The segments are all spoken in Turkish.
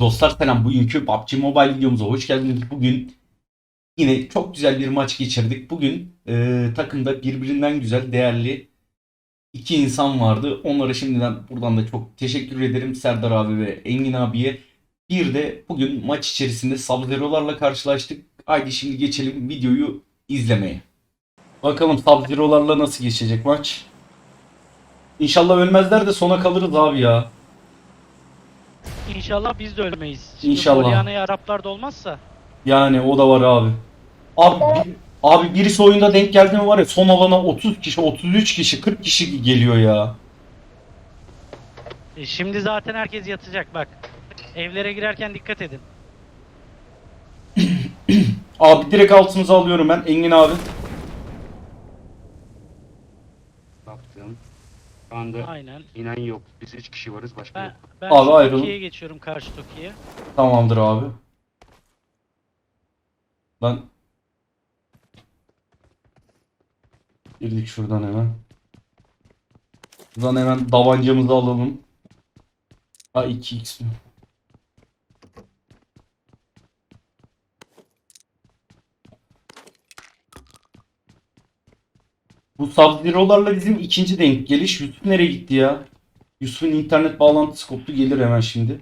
Dostlar selam. Bugünkü PUBG Mobile videomuza hoş geldiniz. Bugün yine çok güzel bir maç geçirdik. Bugün takımda birbirinden güzel, değerli iki insan vardı. Onlara şimdiden buradan da çok teşekkür ederim. Serdar abi ve Engin abiye. Bir de bugün maç içerisinde Sub-Zero'larla karşılaştık. Haydi şimdi geçelim videoyu izlemeye. Bakalım Sub-Zero'larla nasıl geçecek maç. İnşallah ölmezler de sona kalırız abi ya. İnşallah biz de ölmeyiz. Şimdi İnşallah. Polyana'ya Araplar da olmazsa. Yani o da var abi. Abi birisi oyunda denk geldi mi var ya, son alana 30 kişi, 33 kişi, 40 kişi geliyor ya. Şimdi zaten herkes yatacak bak. Evlere girerken dikkat edin. Abi direkt altımıza alıyorum ben Engin abi. Baktım. Şu anda Aynen. inen yok. Biz 3 kişi varız, başka Ben, yok. ben Abi şu ayrılın. Toki'ye geçiyorum, karşı Toki'ye. Tamamdır abi. Ben girdik şuradan hemen. Buradan hemen davancamızı alalım. Ha 2x mi? Bu Sub-Zero'larla bizim ikinci denk geliş. Yusuf nereye gitti ya? Yusuf'un internet bağlantısı koptu, gelir hemen şimdi.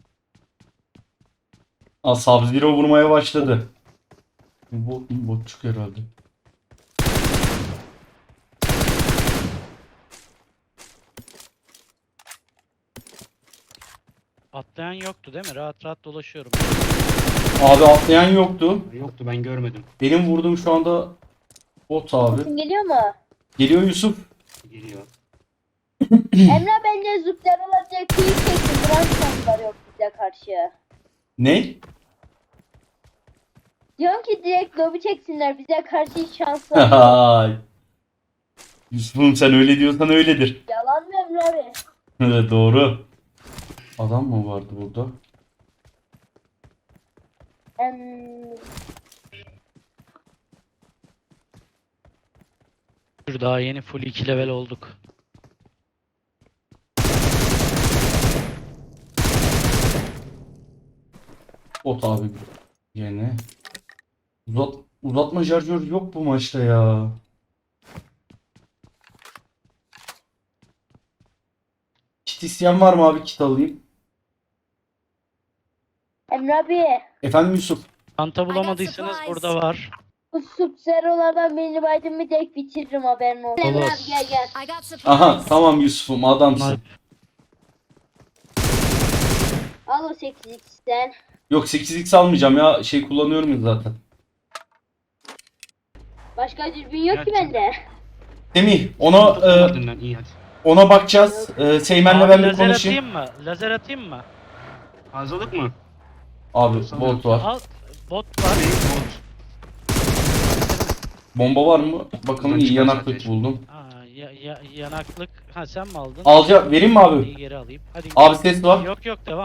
Aa, Sub-Zero vurmaya başladı. Bu botçuk herhalde. Atlayan yoktu değil mi? Rahat rahat dolaşıyorum. Abi atlayan yoktu. Yoktu, ben görmedim. Benim vurduğum şu anda bot abi. Sesin geliyor mu? Geliyor Yusuf. Geliyor. Emre bence züpler olacak kıyı çekti. Duran şanslar yok bize karşı. Ne? Diyorum ki direkt lobi çeksinler. Bize karşı hiç şansları yok. Hay. Yusuf'um sen öyle diyorsan öyledir. Yalan mı Emre abi? Evet, doğru. Adam mı vardı burada? Em, Dur, daha yeni full 2 level olduk. Bot abi. Yine. Uzatma şarjör yok bu maçta ya. Kit isteyen var mı abi? Kit alayım. Emre abi. Efendim Yusuf. Çanta bulamadıysanız burada var. Bu subzerolardan birini baydım mı direkt bitiririm haberin olsun. Emre Olur. abi gel gel. I got supplies. Aha tamam Yusuf'um, adamsın. Al o 8x'ten. Yok 8x almayacağım ya. Şey kullanıyorum ya zaten. Başka dürbün yok ki Gerçekten. bende. Semih ona Tutmadın lan, iyi hadi. ona bakacağız. Seymen'le Abi ben bir lazer konuşayım. atayım mı? Lazer atayım mı? Fazlalık mı? Abi bot var. Al. Bot var. Bomba var mı? Bakalım, Buradan iyi çıkan yanaklık zaten. buldum. Aa, yanaklık. Ha, sen mi aldın? Vereyim mi abi? İyi, geri alayım. Hadi. Abi ses var. Yok yok, devam.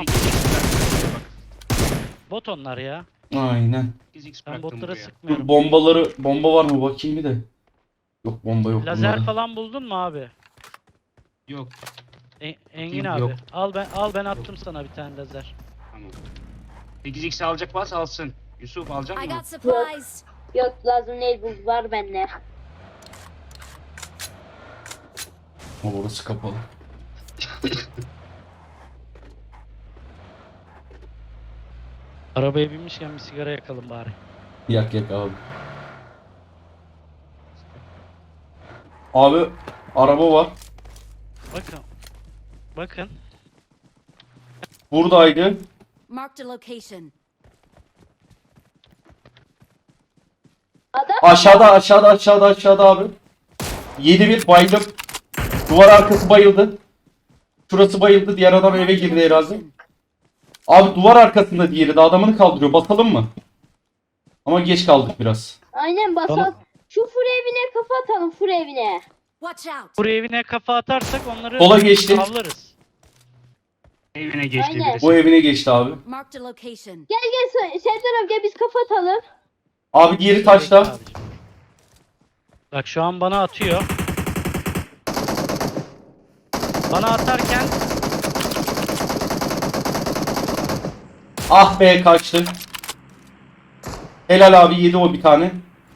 8x Bot onlar ya. Aynen. Ben bıraktım botlara buraya. sıkmıyorum. Bomba var mı bakayım bir de. Yok bomba yok Lazer bunlarda. falan buldun mu abi? Yok, Engin Yok. abi. Al ben attım sana bir tane lazer. tamam. 8x alacak varsa alsın. Yusuf alacak I mı? got supplies. Yok lazım değil bu var bende. Ama orası kapalı. Arabaya binmişken bir sigara yakalım bari. Yak abi. Abi araba var. Bakın. Bakın. Buradaydı. Marked a location. Adam Aşağıda abi. 7-1 bayıldım. Duvar arkası bayıldı. Şurası bayıldı. Diğer adam eve Marked a girdi herhalde. location. Abi duvar arkasında diğeri de adamını kaldırıyor. Basalım mı? Ama geç kaldık biraz. aynen basal. Tamam. Şu fur evine kafa atalım fur evine. Watch out. Buraya evine kafa atarsak onları Sola geçti. avlarız. Evine geçti Aynen. birisi. Bu evine geçti abi. Marked a location. Gel Serdar abi gel biz kafa atalım. Abi diğeri taşta. Abicim. Bak şu an bana atıyor. Bana atarken Ah be, kaçtı. Helal abi, yedi o bir tane.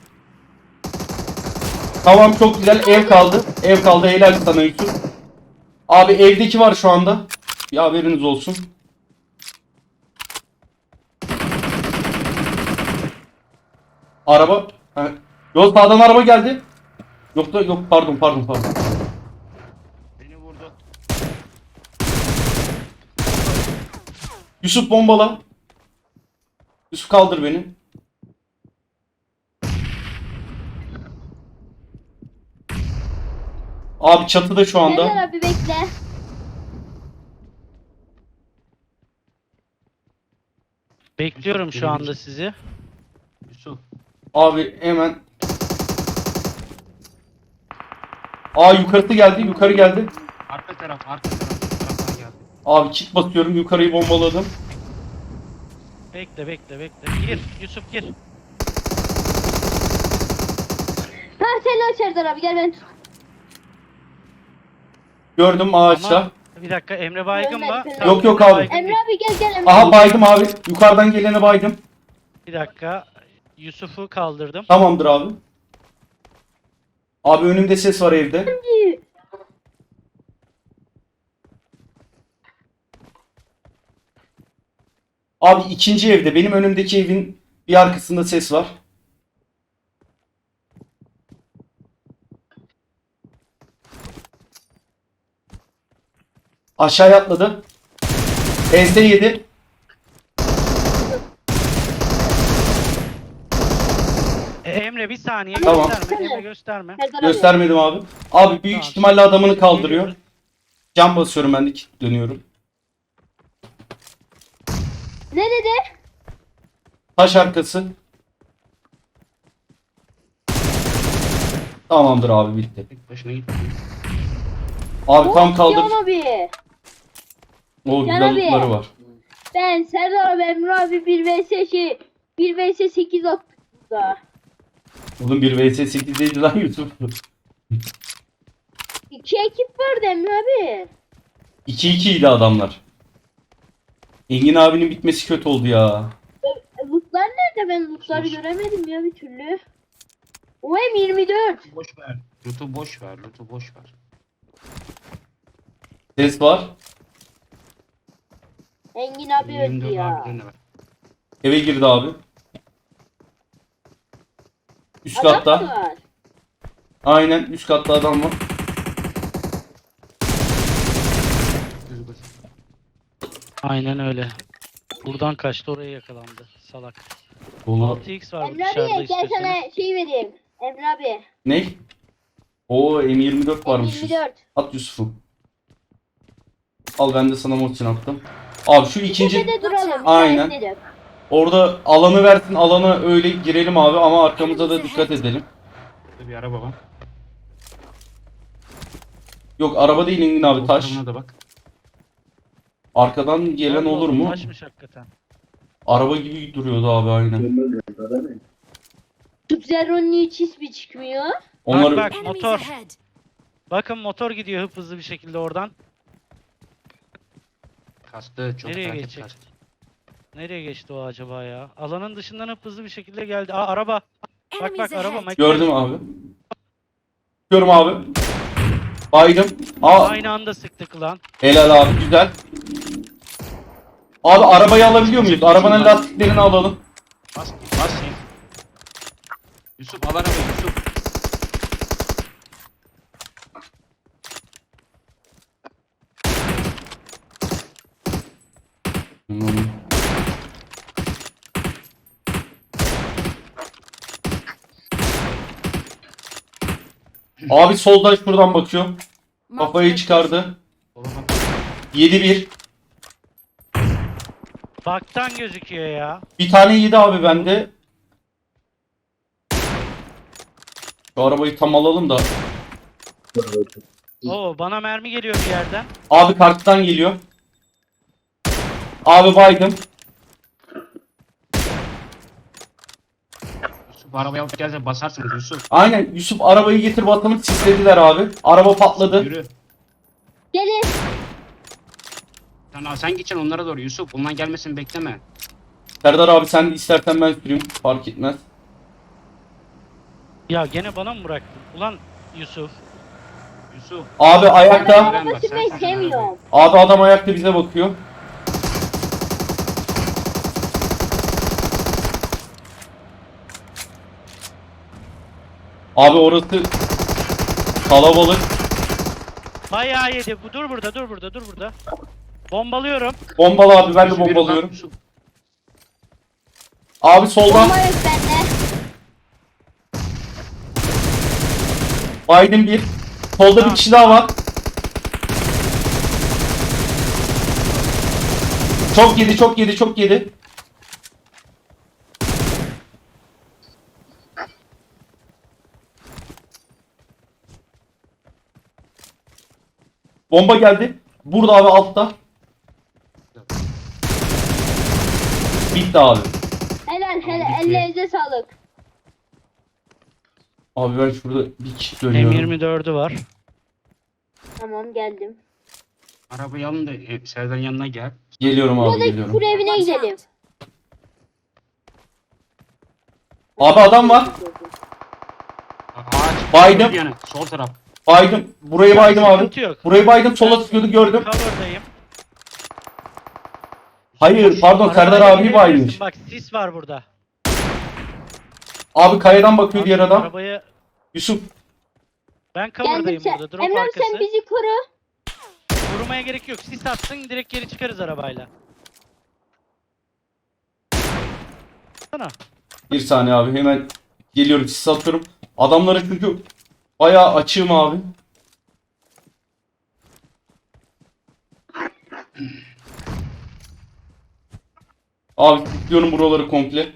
Tamam, çok güzel, ev kaldı. Ev kaldı, helal sana Yusuf. Abi evdeki var şu anda. Bir haberiniz olsun. Araba. Ha. Yok, sağdan araba geldi. Yok da yok, pardon. Beni vurdu. Yusuf bombala. Yusuf kaldır beni. Abi çatıda şu anda. Serdar abi bekle. Bekliyorum şu anda sizi. Yusuf. Abi hemen. Aa, yukarısı geldi, yukarı geldi. Arka taraftan geldi. Abi kit basıyorum, yukarıyı bombaladım. Bekle. Gir Yusuf gir. Ha selam Serdar abi gel ben. Gördüm ağaçta. Ama bir dakika, Emre baygın mı? Ölmedi. Tamam, Yok, yok Emre abi. baygın Emre değil. abi gel Emre. Aha, baydım abi. Yukarıdan gelene baydım. Bir dakika. Yusuf'u kaldırdım. Tamamdır abi. Abi önümde ses var evde. abi. Abi ikinci evde. Benim önümdeki evin bir arkasında ses var. Aşağıya atladı. Ense yedi. Emre bir saniye Tamam. gösterme. Emre gösterme. Serdar abi. Göstermedim abi. Abi büyük Tamam. ihtimalle adamını kaldırıyor. Geliyoruz. Cam basıyorum, ben de kit dönüyorum. Ne dedi? Taş arkası. Tamamdır abi, bitti. Tek başına gitti. Abi tam kaldır. Can abi. O Can güzel abi. lootları var. Ben Serdar abi Emre abi 1 vs 1 vs 8 attık burada. Oğlum 1 vs 8'deydi lan Yusuf. 2 ekip vardı Emre abi. 2-2 idi adamlar. Engin abinin bitmesi kötü oldu ya. Lootlar nerede? Ben lootları Sus. göremedim ya bir türlü. OM24. Boş ver. Loot'u boş ver. Ses var. Engin abi öldü 24 ya. harbiden de var. Eve girdi abi. Üst Adam katta. mı var? Aynen, üst katta adam var. Düz basit. Aynen öyle. Buradan kaçtı, oraya yakalandı. Salak. Oğlum. 6x var Emre dışarıda abi gel istiyorsanız. sana şey vereyim. Emre abi. Ne? Oo, M24 varmış. M24. At Yusuf'u. Al, ben de sana Mortin attım. Abi şu ikinci Tepede duralım. Aynen. işaretledim. orada alanı versin, alana öyle girelim abi, ama arkamıza da dikkat edelim. Burada bir araba var. Yok, araba değil Engin abi, Sol taş. tarafına da bak. Arkadan gelen Allah olur Allah, mu? Taşmış hakikaten. Araba gibi duruyordu abi, aynen. Sub-Zero'nun hiç ismi çıkmıyor. Onları Bak Enemies motor. ahead. Bakın motor gidiyor hızlı bir şekilde oradan. Kastı çok Nereye takip geçecek? kastı. Nereye geçti o acaba ya? Alanın dışından hızlı bir şekilde geldi. Aa, araba. Bak Enemies araba. ahead. gördüm abi. Görüyorum abi. Baydım. Aa, Aynı anda sıktık lan. helal abi, güzel. Abi arabayı alabiliyor muyuz? Arabanın lastiklerini alalım. Bas sen. Yusuf al arabayı Yusuf. Abi soldan şuradan bakıyor. Marked Kafayı location. çıkardı. Sola bak. 7-1. Baktan gözüküyor ya. Bir tane yedi abi bende. Şu arabayı tam alalım da. Oo, bana mermi geliyor bir yerden. Abi karttan geliyor. Abi baydım. Yusuf arabayı alıp gelse basarsınız Yusuf. Aynen, Yusuf arabayı getir bakalım, sislediler abi. Araba patladı. Yürü. Gelin. Sen gideceksin onlara doğru Yusuf. Onlar gelmesin bekleme. Serdar abi sen de istersen ben süreyim. Fark etmez. Ya gene bana mı bıraktın? Ulan Yusuf. Yusuf. Abi Ben ayakta. araba sürmeyi sevmiyorum. Abi adam ayakta bize bakıyor. Abi orası kalabalık. Bayağı yedi. Dur burada, dur burada, dur burada. Bombalıyorum. Bombalı abi ben de Yusuf, yürü bombalıyorum. bak, Yusuf. Abi soldan Bomba yok bende. Biden bir. Solda bir Tamam. kişi daha var. Çok yedi, çok yedi, çok yedi. Bomba geldi. Burada abi altta. Bitti abi. Helal helal. bitti. Ellerinize sağlık. Abi ben şurada bir kişi dönüyorum. M24'ü var. Tamam geldim. Arabayı alın da Serdar'ın yanına gel. Geliyorum abi Buradaki geliyorum. kur evine gidelim. Abi adam var. Ağaç. Baydım. Bir yana, sol taraf. Baydım. Burayı baydım abi. Sıkıntı yok. Burayı baydım. Sola sıkıyordu gördüm. Cover'dayım. Hayır pardon Serdar Arabayla abi gidebilirsin. baymış. Bak sis var burada. Abi kayadan bakıyor diğer adam. Arabayı Yusuf. ben Geldim cover'dayım sen. burada. Drop Emre arkası. sen bizi koru. Vurmaya gerek yok. Sis atsın direkt geri çıkarız arabayla. Sana. Bir saniye abi hemen geliyorum sis atıyorum. Adamlara çünkü bayağı açığım abi. Abi kilitliyorum buraları komple.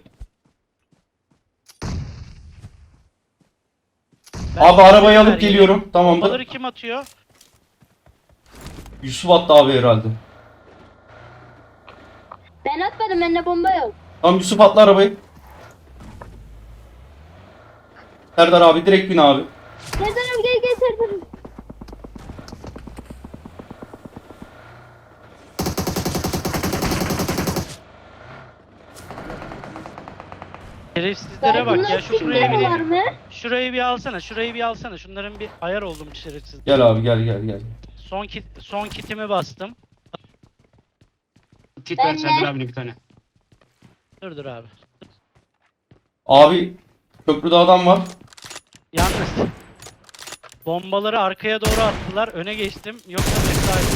Abi arabayı alıp geliyorum. Tamamdır. Bombaları kim atıyor? Yusuf attı abi herhalde. Ben atmadım. Bende bomba yok. Tamam Yusuf atla arabayı. Serdar abi direkt bin abi. Serdar abi gel gel Serdar abi. Şerefsizlere bak ya. Şu şuraya Bunlar var bir mı? şurayı bir alsana. Şurayı bir alsana. Şunların bir ayar oldum şerefsiz. Gel abi gel gel gel. Son kitimi bastım. Kit Ben ver de. Serdar abine bir tane. Dur abi. Abi köprüde adam var. Yalnız bombaları arkaya doğru attılar. Öne geçtim. Yoksa mesai.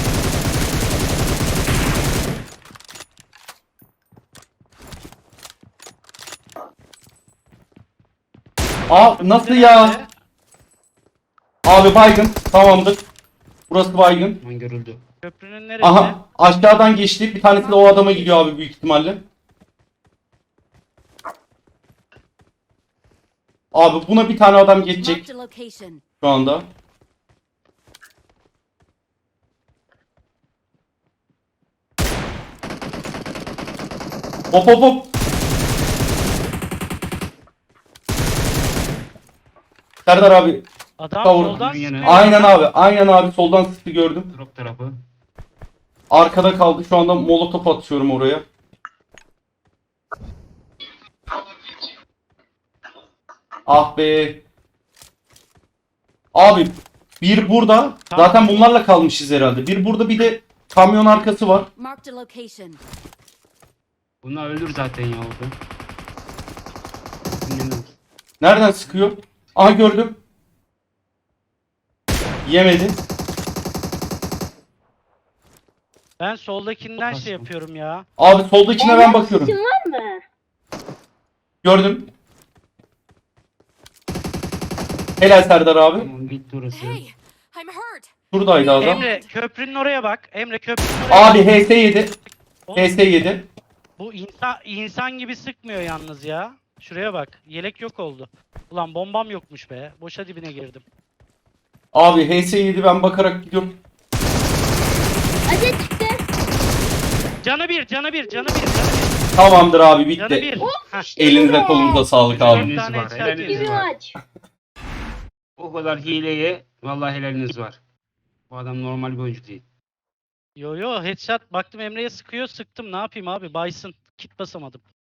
Aa nasıl ya? Abi baygın. Tamamdır. Burası baygın. Aman görüldü. Köprünün neresi? Aha aşağıdan geçti. Bir tanesi de o adama gidiyor abi büyük ihtimalle. Abi buna bir tane adam geçecek Marked a location. şu anda. Hop hop hop. Serdar abi. Adam Kavur. soldan Yine. sıkıyor. Aynen abi. Aynen abi. Soldan sıktı gördüm. Drop tarafı. Arkada kaldı. Şu anda molotof atıyorum oraya. Ah be. Abi bir burada. Zaten bunlarla kalmışız herhalde. Bir burada bir de kamyon arkası var. Marked a location. Bunlar ölür zaten ya orada. Bilmiyorum. Nereden sıkıyor? Aha gördüm. Yemedi. Ben soldakinden Çok şey az. yapıyorum ya. Abi soldakine ben Emre bakıyorum. sesin var mı? Gördüm. Helal Serdar abi. Tamam bitti orası. Hey, I'm hurt. Şuradaydı adam. Emre köprünün oraya bak. Emre köprünün oraya Abi bak. HS yedi. Oğlum, HS yedi. bu insan gibi sıkmıyor yalnız ya. Şuraya bak. Yelek yok oldu. Ulan bombam yokmuş be. Boşa dibine girdim. Abi HS yedi ben bakarak gidiyorum. Acı çıktı. Canı bir, canı bir, canı bir, canı bir. Tamamdır abi Canı bitti. bir. Heh. Elinize kolunuza sağlık abi. Heliniz tane var. headshot Heliniz Gibi var. maç. O kadar hileye vallahi helaliniz var. Bu adam normal bir oyuncu değil. Yo yo headshot baktım Emre'ye sıkıyor sıktım ne yapayım abi Bison kit basamadım.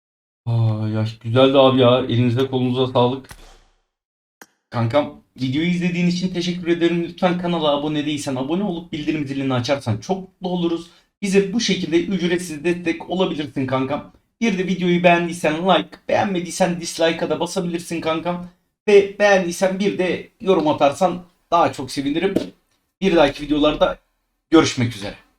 Ya güzeldi abi ya. Elinize kolunuza sağlık. Kankam videoyu izlediğin için teşekkür ederim. Lütfen kanala abone değilsen abone olup bildirim zilini açarsan çok mutlu oluruz. Bize bu şekilde ücretsiz destek olabilirsin kankam. Bir de videoyu beğendiysen like, beğenmediysen dislike'a da basabilirsin kankam. Ve beğendiysen bir de yorum atarsan daha çok sevinirim. Bir dahaki videolarda görüşmek üzere.